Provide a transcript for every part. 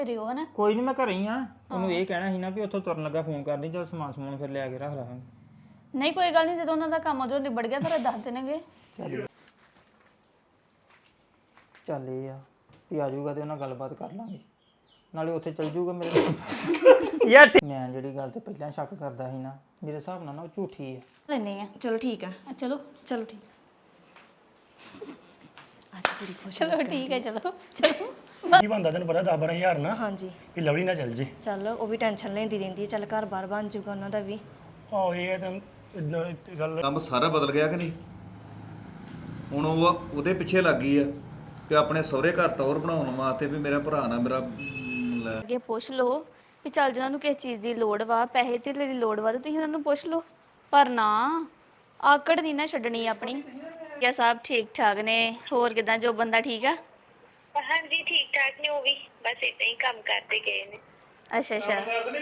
ਘਰੇ ਹੋ ਨਾ ਕੋਈ ਨਹੀਂ ਮੈਂ ਘਰੇ ਹੀ ਆ ਉਹਨੂੰ ਇਹ ਕਹਿਣਾ ਸੀ ਨਾ ਵੀ ਉੱਥੋਂ ਤੁਰਨ ਲੱਗਾ ਫੋਨ ਕਰਦੀ ਜਦ ਸਮਾਨ ਸਮੂਨ ਫਿਰ ਲਿਆ ਕੇ ਰੱਖ ਲਾਂਗੇ ਨਹੀਂ ਕੋਈ ਗੱਲ ਨਹੀਂ ਜਦੋਂ ਉਹਨਾਂ ਦਾ ਕੰਮ ਉਧਰੋਂ ਨਿਬੜ ਗਿਆ ਫਿਰ ਦੱਸ ਦੇਣਗੇ ਚੱਲ ਇਹ ਆ ਵੀ ਆ ਜਾਊਗਾ ਤੇ ਉਹਨਾਂ ਗੱਲਬਾਤ ਕਰ ਲਾਂਗੇ ਨਾਲੇ ਉੱਥੇ ਚੱਲ ਜਾਊਗਾ ਮੇਰੇ ਨਾਲ ਯਾਰ ਮੈਂ ਜਿਹੜੀ ਗੱਲ ਤੇ ਪਹਿਲਾਂ ਸ਼ੱਕ ਕਰਦਾ ਸੀ ਨਾ ਮੇਰੇ ਹਿਸਾਬ ਨਾਲ ਨਾ ਉਹ ਝੂਠੀ ਹੈ ਲੈਨੇ ਆ ਚਲੋ ਠੀਕ ਆ ਚਲੋ ਚਲੋ ਠੀਕ ਅੱਜ ਬੜੀ ਖੁਸ਼ ਚਲੋ ਠੀਕ ਹੈ ਚਲੋ ਚਲੋ ਕੀ ਬੰਦਾ ਤੈਨੂੰ ਪਤਾ 10-12 ਨਾ ਹਾਂਜੀ ਕਿ ਲਵਲੀ ਨਾ ਚੱਲ ਜੇ ਚੱਲ ਉਹ ਵੀ ਟੈਨਸ਼ਨ ਲੈਂਦੀ ਰਹਿੰਦੀ ਹੈ ਚੱਲ ਘਰ ਬਾਰ ਬਣ ਜਾਊਗਾ ਉਹਨਾਂ ਦਾ ਵੀ ਆਹੋ ਇਹ ਤਾਂ ਇਦਾਂ ਗੱਲ ਕੰਮ ਸਾਰਾ ਬਦਲ ਗਿਆ ਕਿ ਨਹੀਂ ਹੁਣ ਉਹ ਉਹਦੇ ਪਿੱਛੇ ਲੱਗ ਗਈ ਆ ਤੇ ਆਪਣੇ ਸਹੁਰੇ ਘਰ ਤੌਰ ਬਣਾਉਣ ਵਾਸਤੇ ਵੀ ਮੇਰਾ ਭਰਾ ਨਾ ਮੇਰਾ ਲੈ ਅੱਗੇ ਪੁੱਛ ਲਓ ਵੀ ਚੱਲ ਜਿਹਨਾਂ ਨੂੰ ਕਿਸੇ ਚੀਜ਼ ਦੀ ਲੋੜ ਵਾ ਪੈਸੇ ਤੇ ਦੀ ਲੋੜ ਵਾ ਤੇ ਤੁਸੀਂ ਉਹਨਾਂ ਨੂੰ ਪੁੱਛ ਲਓ ਪਰ ਨਾ ਆਕੜ ਨਹੀਂ ਨਾ ਛੱਡਣੀ ਆਪਣੀ ਕਿਆ ਸਭ ਠੀਕ ਠਾਕ ਨੇ ਹੋਰ ਕਿਦਾਂ ਜੋ ਬੰਦਾ ਠੀਕ ਆ ਹਾਂਜੀ ਠੀਕ ਠਾਕ ਨੇ ਉਹ ਵੀ ਬਸ ਇਦਾਂ ਹੀ ਕੰਮ ਕਰਦੇ ਗਏ ਨੇ ਅੱਛਾ ਅੱਛਾ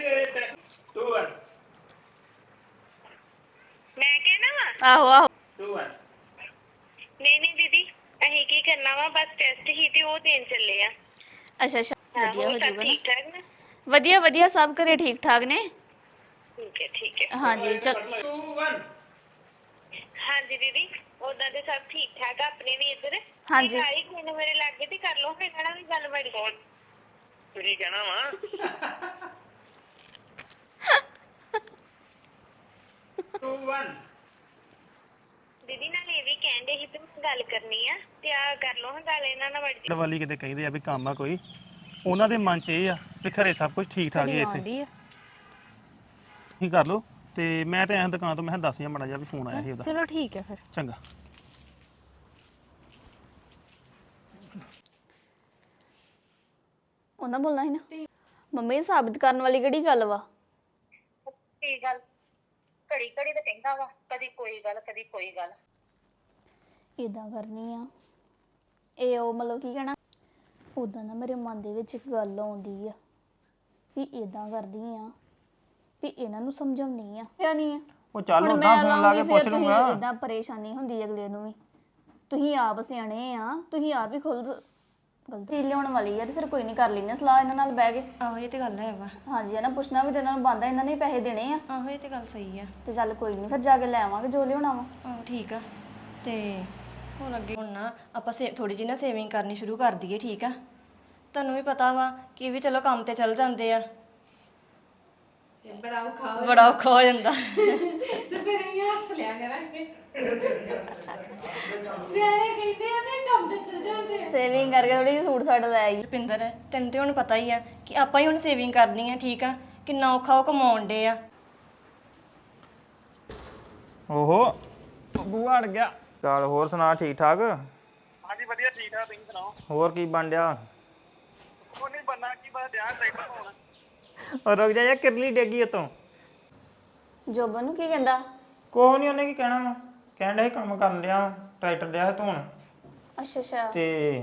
ਮੈਂ ਕਹਿਣਾ ਵਾ ਆਹੋ ਆਹੋ ਨਹੀਂ ਦੀਦੀ ਅਸੀਂ ਕੀ ਕਰਨਾ ਵਾ ਬਸ ਟੈਸਟ ਹੀ ਤੇ ਉਹ ਦੇਣ ਚੱਲੇ ਆ ਅੱਛਾ ਅੱਛਾ ਵਧੀਆ ਹੋ ਹੋਰ ਸਭ ਜਾਊਗਾ ਨਾ ਠੀਕ ਠਾਕ ਨਾ ਵਧੀਆ ਵਧੀਆ ਸਭ ਘਰੇ ਠੀਕ ਠਾਕ ਨੇ ਠੀਕ ਹੈ ਹਾਂਜੀ ਚਲ ਹਾਂਜੀ ਦੀਦੀ ਉਦਾਂ ਤੇ ਸਭ ਠੀਕ ਠਾਕ ਆ ਆਪਣੇ ਵੀ ਇੱਧਰ ਹਾਂਜੀ। ਆਈ ਕੋਈ ਨਾ ਮੇਰੇ ਲਾਗੇ ਤੇ ਕਰ ਲਓ ਫਿਰ ਕਹਿਣਾ ਵੀ ਗੱਲ ਬੜੀ ਤੁਸੀਂ ਕਹਿਣਾ ਵਾ ਦੀਦੀ ਨਾਲ ਇਹ ਵੀ ਕਹਿੰਦੇ ਸੀ ਤੇ ਮੈਂ ਗੱਲ ਕਰਨੀ ਆ ਤੇ ਆ ਕਰ ਲਓ ਹਾਂ ਗੱਲ ਇਹਨਾਂ ਨਾਲ ਬੜੀ ਵਾਲੀ ਕਿਤੇ ਕਹਿੰਦੇ ਆ ਵੀ ਕੰਮ ਆ ਕੋਈ ਉਹਨਾਂ ਦੇ ਮਨ 'ਚ ਇਹ ਆ ਵੀ ਖਰੇ ਸਭ ਕੁਝ ਠੀਕ ਠਾਕ ਹੀ ਆ ਇੱਥੇ ਆਉਂਦੀ ਆ ਤੁਸੀਂ ਕਰ ਲਓ ਤੇ ਮੈਂ ਤੇ ਐਂ ਦੁਕਾਨ ਤੋਂ ਮੈਂ ਕਿਹਾ ਦੱਸ ਜਾਂ ਮੜਾ ਜਾ ਵੀ ਫੋਨ ਆਇਆ ਸੀ ਉਹਦਾ ਚਲੋ ਠੀਕ ਹੈ ਫਿਰ ਚੰਗਾ ਉਹਨਾਂ ਬੋਲਣਾ ਸੀ ਨਾ ਮੰਮੀ ਸਾਬਿਤ ਕਰਨ ਵਾਲੀ ਕਿਹੜੀ ਗੱਲ ਵਾ ਕੀ ਗੱਲ ਘੜੀ ਘੜੀ ਤੇ ਕਹਿੰਦਾ ਵਾ ਕਦੀ ਕੋਈ ਗੱਲ ਇਦਾਂ ਕਰਨੀ ਆ ਇਹ ਉਹ ਮਤਲਬ ਕੀ ਕਹਿਣਾ ਉਦਾਂ ਨਾ ਮੇਰੇ ਮਨ ਦੇ ਵਿੱਚ ਇੱਕ ਗੱਲ ਆਉਂਦੀ ਆ ਵੀ ਇਦਾਂ ਕਰਦੀ ਆ ਵੀ ਇਹਨਾਂ ਨੂੰ ਸਮਝਾਉਣੀ ਆ ਜਾਂ ਨਹੀਂ ਆ ਉਹ ਚੱਲ ਹੁਣ ਉਦਾਂ ਮੈਂ ਫੋਨ ਲਾ ਕੇ ਲਾਉਂਗੀ ਪੁੱਛ ਫਿਰ ਲੂੰਗਾ ਤੁਸੀਂ ਇਦਾਂ ਪਰੇਸ਼ਾਨੀ ਹੁੰਦੀ ਅਗਲੇ ਨੂੰ ਵੀ ਤੁਸੀਂ ਆਪ ਸਿਆਣੇ ਆ ਤੁਸੀਂ ਆਪ ਹੀ ਖੁਦ ਗਲਤੀ ਲਿਆਉਣ ਵਾਲੀ ਆ ਤੇ ਫਿਰ ਕੋਈ ਨਹੀਂ ਕਰ ਲੈਣੇ ਸਲਾਹ ਇਹਨਾਂ ਨਾਲ ਬਹਿ ਕੇ ਆਹੋ ਇਹ ਤੇ ਗੱਲ ਹੈ ਵਾ ਹਾਂਜੀ ਇਹਨਾਂ ਪੁੱਛਣਾ ਵੀ ਤੇ ਇਹਨਾਂ ਨੂੰ ਬੰਦਾ ਇਹਨਾਂ ਨੇ ਹੀ ਪੈਸੇ ਦੇਣੇ ਆ ਆਹੋ ਇਹ ਤੇ ਗੱਲ ਸਹੀ ਆ ਤੇ ਚੱਲ ਕੋਈ ਨਹੀਂ ਫਿਰ ਜਾ ਕੇ ਲੈ ਆਵਾਂਗੇ ਜੋ ਲਿਆਉਣਾ ਵਾ ਆਹੋ ਠੀਕ ਆ ਤੇ ਹੁਣ ਅੱਗੇ ਹੁਣ ਨਾ ਆਪਾਂ ਥੋੜੀ ਜਿਹੀ ਨਾ ਸੇਵਿੰਗ ਕਰਨੀ ਸ਼ੁਰੂ ਕਰ ਦਈਏ ਠੀਕ ਆ ਤੁਹਾਨੂੰ ਵੀ ਪਤਾ ਵਾ ਕਿ ਇਹ ਵੀ ਚਲੋ ਕੰਮ ਤੇ ਚੱਲ ਜਾਂਦੇ ਆ ਬੜਾ ਔਖਾ ਹੋ ਜਾਂਦਾ ਸੇਵਿੰਗ ਕਰਕੇ ਥੋੜੀ ਜਿਹੀ ਸੂਟ ਸਾਟ ਲੈ ਆਈ ਰੁਪਿੰਦਰ ਤੈਨੂੰ ਤੇ ਹੁਣ ਪਤਾ ਹੀ ਆ ਕਿ ਆਪਾਂ ਹੀ ਹੁਣ ਸੇਵਿੰਗ ਕਰਨੀ ਆ ਠੀਕ ਆ ਕਿੰਨਾ ਔਖਾ ਉਹ ਕਮਾਉਣ ਡੇ ਆ ਓਹੋ ਬੂਆ ਅੜ ਗਿਆ ਚੱਲ ਹੋਰ ਸੁਣਾ ਠੀਕ ਠਾਕ ਹਾਂਜੀ ਵਧੀਆ ਠੀਕ ਠਾਕ ਤੁਸੀਂ ਸੁਣਾਓ ਹੋਰ ਕੀ ਬਣ ਡਿਆ ਕੋਈ ਨਹੀਂ ਬੰਨਾ ਕੀ ਬਸ ਧਿਆਨ ਟਰੈਕਟਰ ਪਾਉਣਾ ਉਹ ਰੁਕ ਜਾ ਯਾਰ ਕਿਰਲੀ ਡੇਗੀ ਉਤੋਂ ਜੋਬਨ ਨੂੰ ਕੀ ਕਹਿੰਦਾ ਕੋਹ ਨਹੀਂ ਉਹਨੇ ਕੀ ਕਹਿਣਾ ਵਾ ਕਹਿਣ ਡਿਆ ਸੀ ਕੰਮ ਕਰਨ ਡਿਆ ਵਾਂ, ਟਰੈਕਟਰ ਡਿਆ ਸੀ ਧੋਣ ਅੱਛਾ ਅੱਛਾ ਤੇ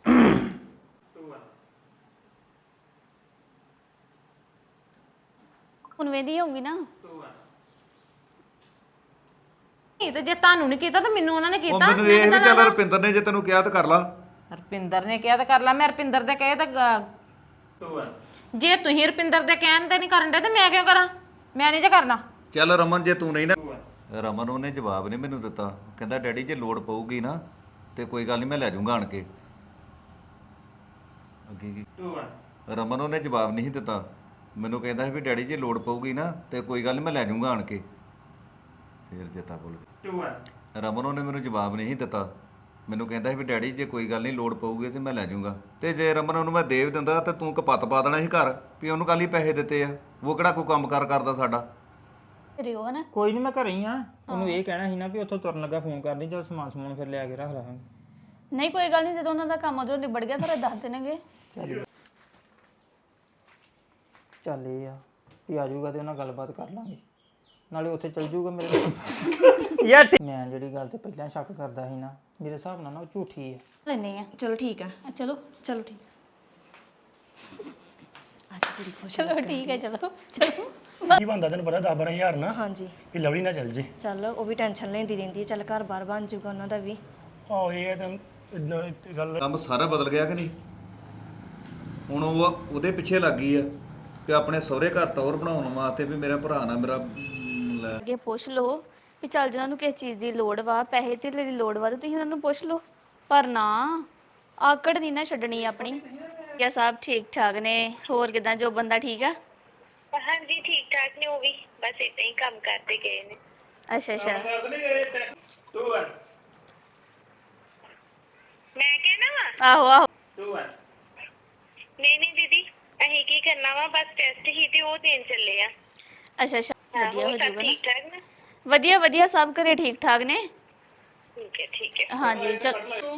ਹੁਣ ਵੇਂਦੀ ਹੋਊਗੀ ਨਾ ਨਹੀਂ ਤੇ ਜੇ ਤੁਹਾਨੂੰ ਨਹੀਂ ਕੀਤਾ ਤਾਂ ਮੈਨੂੰ ਉਹਨਾਂ ਨੇ ਉਹ ਕੀਤਾ ਮੈਨੂੰ ਇਹ ਵੀ ਚੱਲ ਰੁਪਿੰਦਰ ਨੇ ਜੇ ਤੈਨੂੰ ਕਿਹਾ ਤਾਂ ਕਰ ਲਾ ਰਪਿੰਦਰ ਨੇ ਕਿਹਾ ਤਾਂ ਕਰ ਲਾ ਮੈਂ ਰਪਿੰਦਰ ਦੇ ਕਹੇ ਤਾਂ ਜੇ ਤੁਸੀਂ ਰਪਿੰਦਰ ਦੇ ਕਹਿਣ ਤੇ ਨਹੀਂ ਕਰਨ ਦੇ ਤੇ ਮੈਂ ਕਿਉਂ ਕਰਾਂ ਮੈਂ ਨਹੀਂ ਜੇ ਕਰਨਾ ਚੱਲ ਰਮਨ ਜੇ ਤੂੰ ਨਹੀਂ ਨਾ ਰਮਨ ਉਹਨੇ ਜਵਾਬ ਨਹੀਂ ਮੈਨੂੰ ਦਿੱਤਾ ਕਹਿੰਦਾ ਡੈਡੀ ਜੇ ਲੋੜ ਪਊਗੀ ਨਾ ਤੇ ਕੋਈ ਗੱਲ ਨਹੀਂ ਮੈਂ ਲੈ ਜਾਊਂਗਾ ਆਣ ਕੇ ਅੱਗੇ ਕੀ ਰਮਨ ਉਹਨੇ ਜਵਾਬ ਨਹੀਂ ਦਿੱਤਾ ਮੈਨੂੰ ਕਹਿੰਦਾ ਸੀ ਵੀ ਡੈਡੀ ਜੇ ਲੋੜ ਪਊਗੀ ਨਾ ਤੇ ਕੋਈ ਗੱਲ ਨਹੀਂ ਮੈਂ ਲੈ ਜਾਊਂਗਾ ਆਣ ਕੇ ਫੇਰ ਚੇਤਾ ਭੁੱਲ ਗਿਆ ਰਮਨ ਉਹਨੇ ਮੈਨੂੰ ਜਵਾਬ ਨਹੀਂ ਦਿੱਤਾ ਮੈਨੂੰ ਕਹਿੰਦਾ ਸੀ ਵੀ ਡੈਡੀ ਜੇ ਕੋਈ ਗੱਲ ਨਹੀਂ ਲੋੜ ਪਊਗੀ ਤੇ ਮੈਂ ਲੈ ਜਾਊਂਗਾ ਤੇ ਜੇ ਰਮਨ ਉਹਨੂੰ ਮੈਂ ਦੇ ਵੀ ਦਿੰਦਾ ਤੇ ਤੂੰ ਕਪੱਤ ਪਾ ਦੇਣਾ ਸੀ ਘਰ ਵੀ ਉਹਨੂੰ ਕੱਲ ਹੀ ਪੈਸੇ ਦਿੱਤੇ ਆ ਉਹ ਕਿਹੜਾ ਕੋਈ ਕੰਮ ਕਾਰ ਕਰਦਾ ਸਾਡਾ ਘਰੇ ਹੋ ਨਾ ਕੋਈ ਨਹੀਂ ਮੈਂ ਘਰੇ ਹੀ ਆ ਉਹਨੂੰ ਇਹ ਕਹਿਣਾ ਸੀ ਨਾ ਵੀ ਉੱਥੋਂ ਤੁਰਨ ਲੱਗਾ ਫੋਨ ਕਰਦੀ ਜਦ ਸਮਾਨ ਸਮੂਨ ਫਿਰ ਲਿਆ ਕੇ ਰੱਖ ਲਾਂਗੇ ਨਹੀਂ ਕੋਈ ਗੱਲ ਨਹੀਂ ਜਦੋਂ ਉਹਨਾਂ ਦਾ ਕੰਮ ਉਧਰੋਂ ਨਿਬੜ ਗਿਆ ਫਿਰ ਦੱਸ ਦੇਣਗੇ ਚੱਲ ਇਹ ਆ ਵੀ ਆ ਜਾਊਗਾ ਤੇ ਉਹਨਾਂ ਗੱਲਬਾਤ ਕਰ ਲਾਂਗੇ ਨਾਲੇ ਉੱਥੇ ਚੱਲ ਜਾਊਗਾ ਮੇਰੇ ਨਾਲ ਯਾਰ ਮੈਂ ਜਿਹੜੀ ਗੱਲ ਤੇ ਪਹਿਲਾਂ ਸ਼ੱਕ ਕਰਦਾ ਸੀ ਨਾ ਮੇਰੇ ਹਿਸਾਬ ਨਾਲ ਨਾ ਉਹ ਝੂਠੀ ਹੈ ਲੈਨੇ ਆ ਚਲੋ ਠੀਕ ਆ ਚਲੋ ਚਲੋ ਠੀਕ ਅੱਜ ਬੜੀ ਖੁਸ਼ ਚਲੋ ਠੀਕ ਹੈ ਚਲੋ ਚਲੋ ਕੀ ਬੰਦਾ ਤੈਨੂੰ ਪਤਾ 10-12 ਨਾ ਹਾਂਜੀ ਕਿ ਲਵਲੀ ਨਾ ਚੱਲ ਜੇ ਚੱਲ ਉਹ ਵੀ ਟੈਨਸ਼ਨ ਲੈਂਦੀ ਰਹਿੰਦੀ ਹੈ ਚੱਲ ਘਰ ਬਾਰ ਬਣ ਜਾਊਗਾ ਉਹਨਾਂ ਦਾ ਵੀ ਆਹੋ ਇਹ ਤਾਂ ਇਦਾਂ ਗੱਲ ਕੰਮ ਸਾਰਾ ਬਦਲ ਗਿਆ ਕਿ ਨਹੀਂ ਹੁਣ ਉਹ ਉਹਦੇ ਪਿੱਛੇ ਲੱਗ ਗਈ ਆ ਕਿ ਆਪਣੇ ਸਹੁਰੇ ਘਰ ਟੌਰ ਬਣਾਉਣ ਵਾਸਤੇ ਵੀ ਮੇਰਾ ਭਰਾ ਨਾ ਮੇਰਾ ਲੈ ਅੱਗੇ ਪੁੱਛ ਲਓ ਵੀ ਚੱਲ ਜਿਹਨਾਂ ਨੂੰ ਕਿਸੇ ਚੀਜ਼ ਦੀ ਲੋੜ ਵਾ ਪੈਸੇ ਧੇਲੇ ਦੀ ਲੋੜ ਵਾ ਤੇ ਤੁਸੀਂ ਉਹਨਾਂ ਨੂੰ ਪੁੱਛ ਲਓ ਪਰ ਨਾ ਆਕੜ ਨਹੀਂ ਨਾ ਛੱਡਣੀ ਆਪਣੀ ਕਿਆ ਸਭ ਠੀਕ ਠਾਕ ਨੇ ਹੋਰ ਕਿਦਾਂ ਜੋ ਬੰਦਾ ਠੀਕ ਆ ਹਾਂਜੀ ਠੀਕ ਠਾਕ ਨੇ ਉਹ ਵੀ ਬਸ ਏਦਾਂ ਹੀ ਕੰਮ ਕਰਦੇ ਗਏ ਨੇ ਅੱਛਾ ਅੱਛਾ ਮੈਂ ਕਹਿਣਾ ਵਾ ਆਹੋ ਆਹੋ ਨਹੀਂ ਨਹੀਂ ਦੀਦੀ ਅਸੀਂ ਕੀ ਕਰਨਾ ਵਾ ਬਸ ਟੈਸਟ ਹੀ ਤੇ ਉਹ ਦੇਣ ਚੱਲੇ ਆ ਅੱਛਾ ਅੱਛਾ ਵਧੀਆ ਹੋ ਹੋਰ ਸਭ ਜਾਊਗਾ ਨਾ ਠੀਕ ਠਾਕ ਨਾ ਵਧੀਆ ਵਧੀਆ ਸਭ ਘਰੇ ਠੀਕ ਠਾਕ ਨੇ ਠੀਕ ਹੈ ਹਾਂਜੀ ਚਲ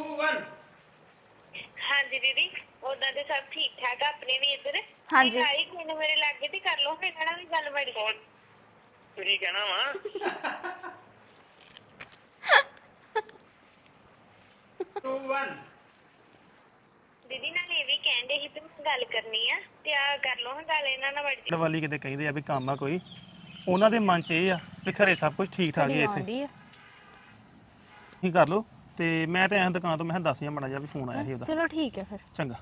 ਹਾਂਜੀ ਦੀਦੀ ਉਦਾਂ ਤੇ ਸਭ ਠੀਕ ਠਾਕ ਆ ਆਪਣੇ ਵੀ ਇੱਧਰ ਹਾਂਜੀ। ਆਈ ਕੋਈ ਨਾ ਮੇਰੇ ਲਾਗੇ ਤੇ ਕਰ ਲਓ ਫਿਰ ਇਹਨਾਂ ਵੀ ਗੱਲ ਬੜੀ ਤੁਸੀਂ ਕਹਿਣਾ ਵਾ ਦੀਦੀ ਨਾਲ ਇਹ ਵੀ ਕਹਿੰਦੇ ਸੀ ਤੇ ਮੈਂ ਗੱਲ ਕਰਨੀ ਆ ਤੇ ਆ ਕਰ ਲਓ ਹਾਂ ਗੱਲ ਇਹਨਾਂ ਨਾਲ ਬੜੀ ਪਿੰਡ ਵਾਲੀ ਕਿਤੇ ਕਹਿੰਦੇ ਆ ਵੀ ਕੰਮ ਆ ਕੋਈ ਉਹਨਾਂ ਦੇ ਮਨ 'ਚ ਇਹ ਆ ਵੀ ਖਰੇ ਸਭ ਕੁਝ ਠੀਕ ਠਾਕ ਹੀ ਆ ਇੱਥੇ ਆਉਂਦੀ ਆ ਤੁਸੀਂ ਕਰ ਲਓ ਤੇ ਮੈਂ ਤੇ ਐਂ ਦੁਕਾਨ ਤੋਂ ਮੈਂ ਕਿਹਾ ਦੱਸ ਜਾਂ ਮਾੜਾ ਜਿਹਾ ਵੀ ਫੋਨ ਆਇਆ ਸੀ ਉਹਦਾ ਚਲੋ ਠੀਕ ਹੈ ਫਿਰ ਚੰਗਾ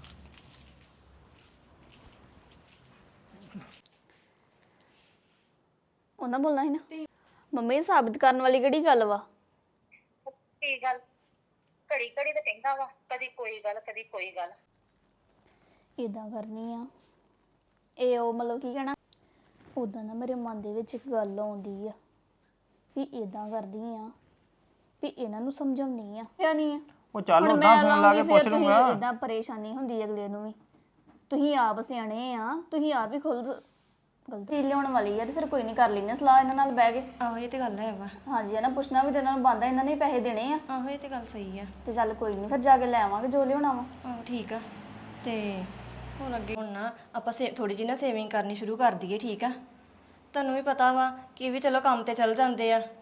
ਉਹਨਾਂ ਬੋਲਣਾ ਸੀ ਨਾ ਮੰਮੀ ਸਾਬਿਤ ਕਰਨ ਵਾਲੀ ਕਿਹੜੀ ਗੱਲ ਵਾ ਕੀ ਗੱਲ ਘੜੀ ਘੜੀ ਤੇ ਕਹਿੰਦਾ ਵਾ ਕਦੀ ਕੋਈ ਗੱਲ ਕਦੀ ਕੋਈ ਗੱਲ ਇਦਾਂ ਕਰਨੀ ਆ ਇਹ ਉਹ ਮਤਲਬ ਕੀ ਕਹਿਣਾ ਉਦਾਂ ਨਾ ਮੇਰੇ ਮਨ ਦੇ ਵਿੱਚ ਇੱਕ ਗੱਲ ਆਉਂਦੀ ਆ ਵੀ ਇਦਾਂ ਕਰਦੀ ਆ ਵੀ ਇਹਨਾਂ ਨੂੰ ਸਮਝਾਉਣੀ ਆ ਜਾਂ ਨਹੀਂ ਆ ਉਹ ਚੱਲ ਹੁਣ ਉਦਾਂ ਮੈਂ ਫੋਨ ਲਾ ਕੇ ਲਾਉਂਗੀ ਪੁੱਛ ਫਿਰ ਲੂੰਗਾ ਤੁਸੀਂ ਇਦਾਂ ਪਰੇਸ਼ਾਨੀ ਹੁੰਦੀ ਹੈ ਅਗਲੇ ਨੂੰ ਵੀ ਤੁਸੀਂ ਆਪ ਸਿਆਣੇ ਆ ਤੁਸੀਂ ਆਪ ਹੀ ਖੁਦ ਗਲਤੀ ਲਿਆਉਣ ਵਾਲੀ ਆ ਤੇ ਫਿਰ ਕੋਈ ਨਹੀਂ ਕਰ ਲੈਣੇ ਸਲਾਹ ਇਹਨਾਂ ਨਾਲ ਬਹਿ ਕੇ ਆਹੋ ਇਹ ਤੇ ਗੱਲ ਹੈ ਵਾ ਹਾਂਜੀ ਇਹਨਾਂ ਪੁੱਛਣਾ ਵੀ ਤੇ ਇਹਨਾਂ ਨੂੰ ਬੰਦਾ ਇਹਨਾਂ ਨੇ ਹੀ ਪੈਸੇ ਦੇਣੇ ਆ ਆਹੋ ਇਹ ਤੇ ਗੱਲ ਸਹੀ ਆ ਤੇ ਚੱਲ ਕੋਈ ਨਹੀਂ ਫਿਰ ਜਾ ਕੇ ਲੈ ਆਵਾਂਗੇ ਜੋ ਲਿਆਉਣਾ ਵਾ ਆਹੋ ਠੀਕ ਆ ਤੇ ਹੁਣ ਅੱਗੇ ਹੁਣ ਨਾ ਆਪਾਂ ਥੋੜੀ ਜਿਹੀ ਨਾ ਸੇਵਿੰਗ ਕਰਨੀ ਸ਼ੁਰੂ ਕਰ ਦਈਏ ਠੀਕ ਆ ਤੁਹਾਨੂੰ ਵੀ ਪਤਾ ਵਾ ਕਿ ਇਹ ਵੀ ਚਲੋ ਕੰਮ ਤੇ ਚੱਲ ਜਾਂਦੇ ਆ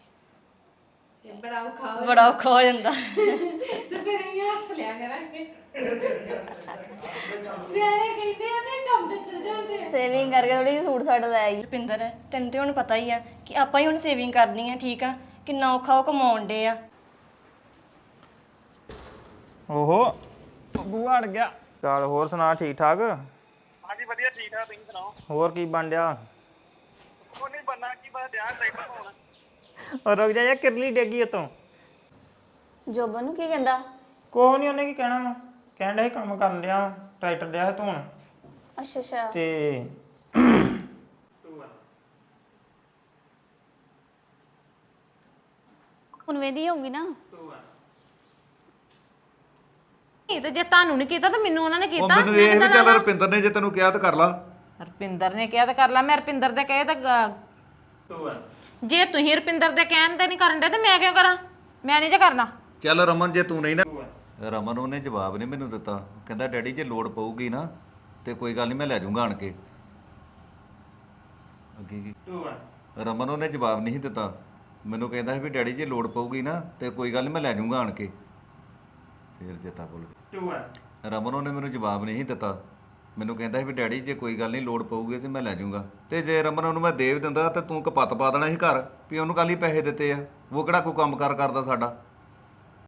ਬੜਾ ਔਖਾ ਹੋ ਜਾਂਦਾ ਸੇਵਿੰਗ ਕਰਕੇ ਥੋੜੀ ਜਿਹੀ ਸੂਟ ਸਾਟ ਲੈ ਆਈ ਰੁਪਿੰਦਰ ਤੈਨੂੰ ਤੇ ਹੁਣ ਪਤਾ ਹੀ ਆ ਕਿ ਆਪਾਂ ਹੀ ਹੁਣ ਸੇਵਿੰਗ ਕਰਨੀ ਆ ਠੀਕ ਆ ਕਿੰਨਾ ਔਖਾ ਉਹ ਕਮਾਉਣ ਡੇ ਆ ਓਹੋ ਬੂਆ ਅੜ ਗਿਆ ਚੱਲ ਹੋਰ ਸੁਣਾ ਠੀਕ ਠਾਕ ਹਾਂਜੀ ਵਧੀਆ ਠੀਕ ਠਾਕ ਤੁਸੀਂ ਸੁਣਾਓ ਹੋਰ ਕੀ ਬਣ ਡਿਆ ਕੋਈ ਨਹੀਂ ਬੰਨਾ ਕੀ ਬਸ ਧਿਆਨ ਟਰੈਕਟਰ ਹੋਣਾ ਉਹ ਰੁਕ ਜਾ ਯਾਰ ਕਿਰਲੀ ਡੇਗੀ ਉਤੋਂ ਜੋਬਨ ਨੂੰ ਕੀ ਕਹਿੰਦਾ ਕੋਹ ਨਹੀਂ ਉਹਨੇ ਕੀ ਕਹਿਣਾ ਵਾ ਕਹਿਣ ਡਿਆ ਸੀ ਕੰਮ ਕਰਨ ਡਿਆ ਵਾਂ, ਟਰੈਕਟਰ ਡਿਆ ਸੀ ਧੋਣ ਅੱਛਾ ਅੱਛਾ ਤੇ ਹੁਣ ਵੇਦੀ ਹੋਊਗੀ ਨਾ ਇਹ ਤੇ ਜੇ ਤੁਹਾਨੂੰ ਨਹੀਂ ਕੀਤਾ ਤਾਂ ਮੈਨੂੰ ਉਹਨਾਂ ਨੇ ਉਹ ਕੀਤਾ ਮੈਨੂੰ ਇਹ ਵੀ ਚੱਲ ਰੁਪਿੰਦਰ ਨੇ ਜੇ ਤੈਨੂੰ ਕਿਹਾ ਤਾਂ ਕਰ ਲਾ ਰਪਿੰਦਰ ਨੇ ਕਿਹਾ ਤਾਂ ਕਰ ਲਾ ਮੈਂ ਰਪਿੰਦਰ ਦੇ ਕਹੇ ਤਾਂ ਜੇ ਤੁਸੀਂ ਰਪਿੰਦਰ ਦੇ ਕਹਿਣ ਤੇ ਨਹੀਂ ਕਰਨ ਦੇ ਤੇ ਮੈਂ ਕਿਉਂ ਕਰਾਂ ਮੈਂ ਨਹੀਂ ਜੇ ਕਰਨਾ ਚੱਲ ਰਮਨ ਜੇ ਤੂੰ ਨਹੀਂ ਨਾ ਰਮਨ ਉਹਨੇ ਜਵਾਬ ਨਹੀਂ ਮੈਨੂੰ ਦਿੱਤਾ ਕਹਿੰਦਾ ਡੈਡੀ ਜੇ ਲੋੜ ਪਊਗੀ ਨਾ ਤੇ ਕੋਈ ਗੱਲ ਨਹੀਂ ਮੈਂ ਲੈ ਜਾਊਂਗਾ ਆਣ ਕੇ ਅੱਗੇ ਕੀ ਰਮਨ ਉਹਨੇ ਜਵਾਬ ਨਹੀਂ ਦਿੱਤਾ ਮੈਨੂੰ ਕਹਿੰਦਾ ਸੀ ਵੀ ਡੈਡੀ ਜੇ ਲੋੜ ਪਊਗੀ ਨਾ ਤੇ ਕੋਈ ਗੱਲ ਨਹੀਂ ਮੈਂ ਲੈ ਜਾਊਂਗਾ ਆਣ ਕੇ ਫੇਰ ਚੇਤਾ ਭੁੱਲ ਗਿਆ ਰਮਨ ਉਹਨੇ ਮੈਨੂੰ ਜਵਾਬ ਨਹੀਂ ਦਿੱਤਾ ਮੈਨੂੰ ਕਹਿੰਦਾ ਸੀ ਵੀ ਡੈਡੀ ਜੇ ਕੋਈ ਗੱਲ ਨਹੀਂ ਲੋੜ ਪਊਗੀ ਤੇ ਮੈਂ ਲੈ ਜਾਊਂਗਾ ਤੇ ਜੇ ਰਮਨ ਉਹਨੂੰ ਮੈਂ ਦੇ ਵੀ ਦਿੰਦਾ ਤੇ ਤੂੰ ਕਪੱਤ ਪਾ ਦੇਣਾ ਸੀ ਘਰ ਵੀ ਉਹਨੂੰ ਕੱਲ ਹੀ ਪੈਸੇ ਦਿੱਤੇ ਆ ਉਹ ਕਿਹੜਾ ਕੋਈ ਕੰਮ ਕਾਰ ਕਰਦਾ ਸਾਡਾ